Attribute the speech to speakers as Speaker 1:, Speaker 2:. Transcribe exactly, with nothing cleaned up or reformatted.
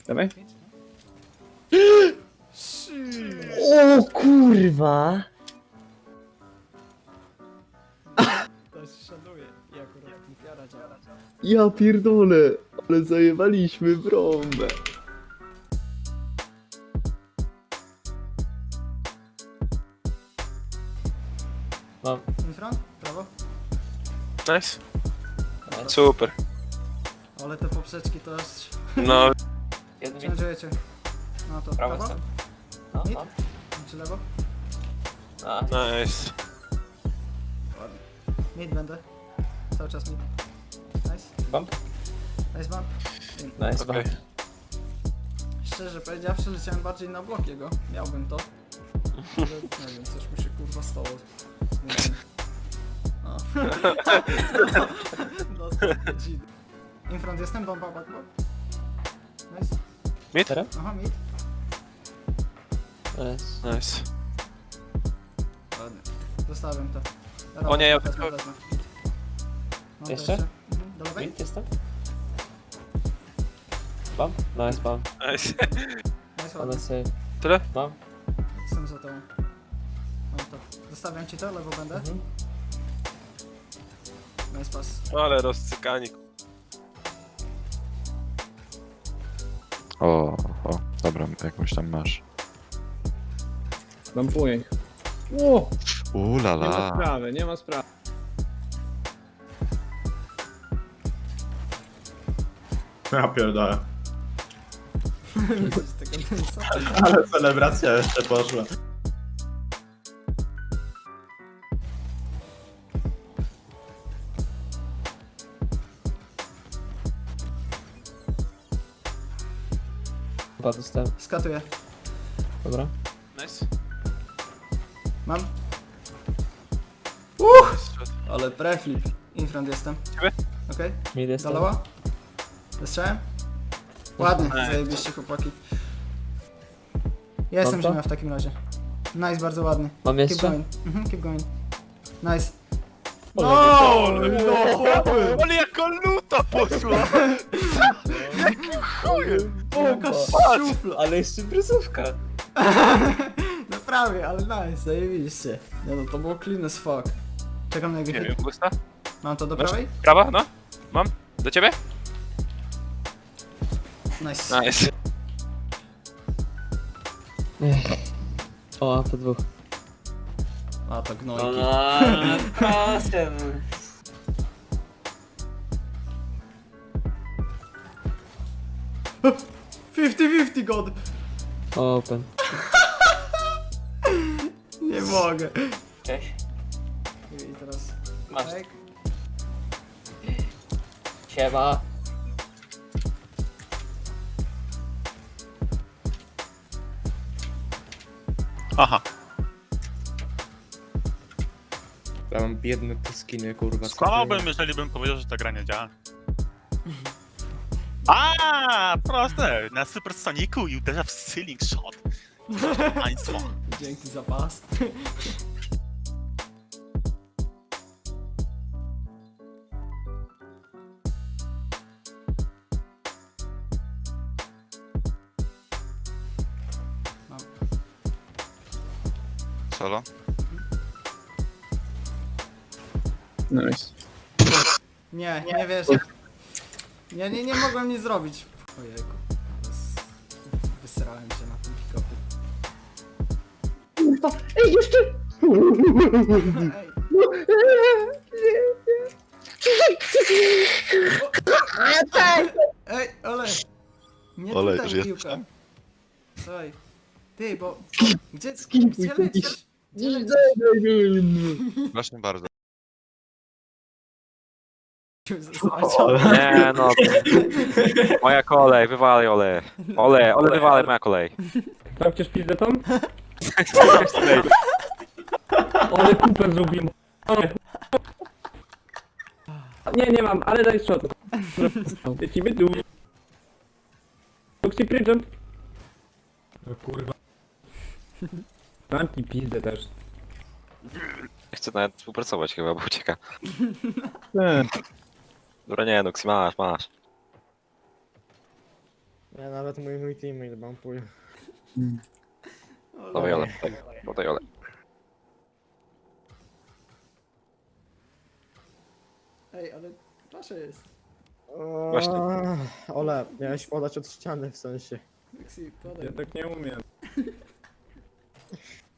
Speaker 1: Dawaj.
Speaker 2: O kurwa!
Speaker 3: To się szanuje i akurat kupiara działa.
Speaker 1: Ja pierdolę, ale zajebaliśmy brąbę.
Speaker 2: Mam.
Speaker 3: Infra? Prawo?
Speaker 4: Nice. Super.
Speaker 3: Ale te poprzeczki to aż...
Speaker 4: No,
Speaker 2: Jeden mi.
Speaker 3: Ciężujecie. No to
Speaker 2: Prawo
Speaker 3: prawo?
Speaker 2: jestem. No,
Speaker 3: Mid?
Speaker 2: no.
Speaker 3: Czy lewo?
Speaker 2: A,
Speaker 4: nice.
Speaker 3: Ładnie. Mid będę. Cały czas mid. Nice.
Speaker 2: bump.
Speaker 3: Nice bump.
Speaker 2: Nice,
Speaker 4: Okej.
Speaker 2: bump.
Speaker 3: Szczerze powiedziawszy, leciałem bardziej na blok jego. Miałbym to. Ale nie wiem, coś mi się kurwa stało. Nie wiem. O. Dostał dzid. Infront jestem, bomba, back, back. Nice.
Speaker 4: Mid?
Speaker 2: Teraz?
Speaker 3: Aha, mid.
Speaker 2: Nice.
Speaker 4: Nice.
Speaker 3: Ładnie. Zostawiam to. Dobra,
Speaker 4: O nie, ja-
Speaker 3: wezmę, wezmę. No, to
Speaker 2: Jeszcze?
Speaker 3: Mhm. Do lewej?
Speaker 2: Mid jestem? Bump? Nice, bump.
Speaker 4: Nice.
Speaker 3: Nice,
Speaker 2: Ale
Speaker 3: ładnie.
Speaker 2: save.
Speaker 4: Tyle?
Speaker 2: Bump.
Speaker 3: Jestem za tobą. Mam to. Zostawiam ci to, lewo będę.
Speaker 2: Mhm.
Speaker 3: Nice pass.
Speaker 4: Ale rozcykani.
Speaker 5: O, o, dobra, jakąś tam masz.
Speaker 1: Bampuję ich. Ło! Nie ma
Speaker 5: Ulala.
Speaker 1: sprawy, nie ma sprawy.
Speaker 6: Ja pierdolę.
Speaker 3: Widzisz tego Denisa?
Speaker 6: Ale celebracja jeszcze poszła.
Speaker 2: Chyba dostałem.
Speaker 3: Skatuję.
Speaker 2: Dobra.
Speaker 4: Nice.
Speaker 3: Mam.
Speaker 4: Nice.
Speaker 3: Ale preflip. Infront jestem.
Speaker 4: Ciebie?
Speaker 3: Okej.
Speaker 2: Mid jestem.
Speaker 3: Daloła? Wystrzałem? Ładnie,
Speaker 4: Nice.
Speaker 3: zajebiście chłopaki. Ja jestem
Speaker 2: to?
Speaker 3: ziemia w takim razie. Nice, bardzo ładny.
Speaker 2: Mam
Speaker 3: Keep
Speaker 2: jeszcze?
Speaker 3: going. Mhm, keep going. Nice.
Speaker 2: O,
Speaker 3: No!
Speaker 4: No, ale jako luta poszła! Jakim chujem!
Speaker 3: Pokaż
Speaker 2: Patrz!
Speaker 3: szufla.
Speaker 2: Ale jeszcze bryzówka.
Speaker 3: No prawie, ale nice, zajebiście. Nie no, to było clean as fuck. Czekam na jego
Speaker 4: Nie
Speaker 3: hit.
Speaker 4: wiem, Gusta?
Speaker 3: Mam to do
Speaker 4: Masz?
Speaker 3: prawej?
Speaker 4: Prawa? No? Mam? Do ciebie?
Speaker 3: Nice.
Speaker 4: Nice.
Speaker 2: O, po dwóch.
Speaker 3: A to
Speaker 2: No,
Speaker 3: gnojki.
Speaker 2: no, kasem.
Speaker 3: fifty fifty god!
Speaker 2: Open.
Speaker 3: Nie mogę.
Speaker 2: Cześć.
Speaker 3: I teraz...
Speaker 2: Masz.
Speaker 3: Tak.
Speaker 2: Siema.
Speaker 4: Aha.
Speaker 7: Ja mam biedne te skiny, kurwa.
Speaker 8: Skłamałbym, jeżeli bym powiedział, że ta gra nie działa. A, proste! Na Supersonicu i uderza w ceiling shot. Państwo.
Speaker 3: Dzięki za pas. Mam.
Speaker 5: Solo?
Speaker 1: Nice.
Speaker 3: Nie, nie wierzę. Nie, nie, nie mogłem nic zrobić. Ojejku. Ale s- Wysrałem się na tym pick-upie.
Speaker 1: Ej, jeszcze!
Speaker 3: Ej. Ej, Ole! Nie
Speaker 5: Ole,
Speaker 3: tutaj
Speaker 5: już
Speaker 3: piłka.
Speaker 5: jestem?
Speaker 3: Słuchaj. Ty, bo... Gdzie,
Speaker 1: Skipuj,
Speaker 3: gdzie
Speaker 1: ty
Speaker 3: lecisz? Gdzie lecisz?
Speaker 5: Proszę bardzo.
Speaker 4: Nie no. Moja kolej, wywalaj ole. Ole, ole wywalaj, moja kolej.
Speaker 1: Sprawdźcie szpilę tam? Ale kupę zrobimy. Nie, nie mam, ale daj shot. Lecimy tu. Luxi Prydżem. No kurwa. Mam ci pizdę też.
Speaker 4: Chcę nawet współpracować chyba, bo ucieka. Dobra, nie, Nuxi, masz, masz.
Speaker 7: Ja nawet mój, mój teammate bumpuje.
Speaker 4: Dawaj Ole, daj, daj Ole.
Speaker 3: Ej, ale proszę jest.
Speaker 4: Właśnie.
Speaker 7: Ole, miałeś podać od ściany w sensie.
Speaker 3: Lexi, podaj.
Speaker 1: Ja tak nie umiem.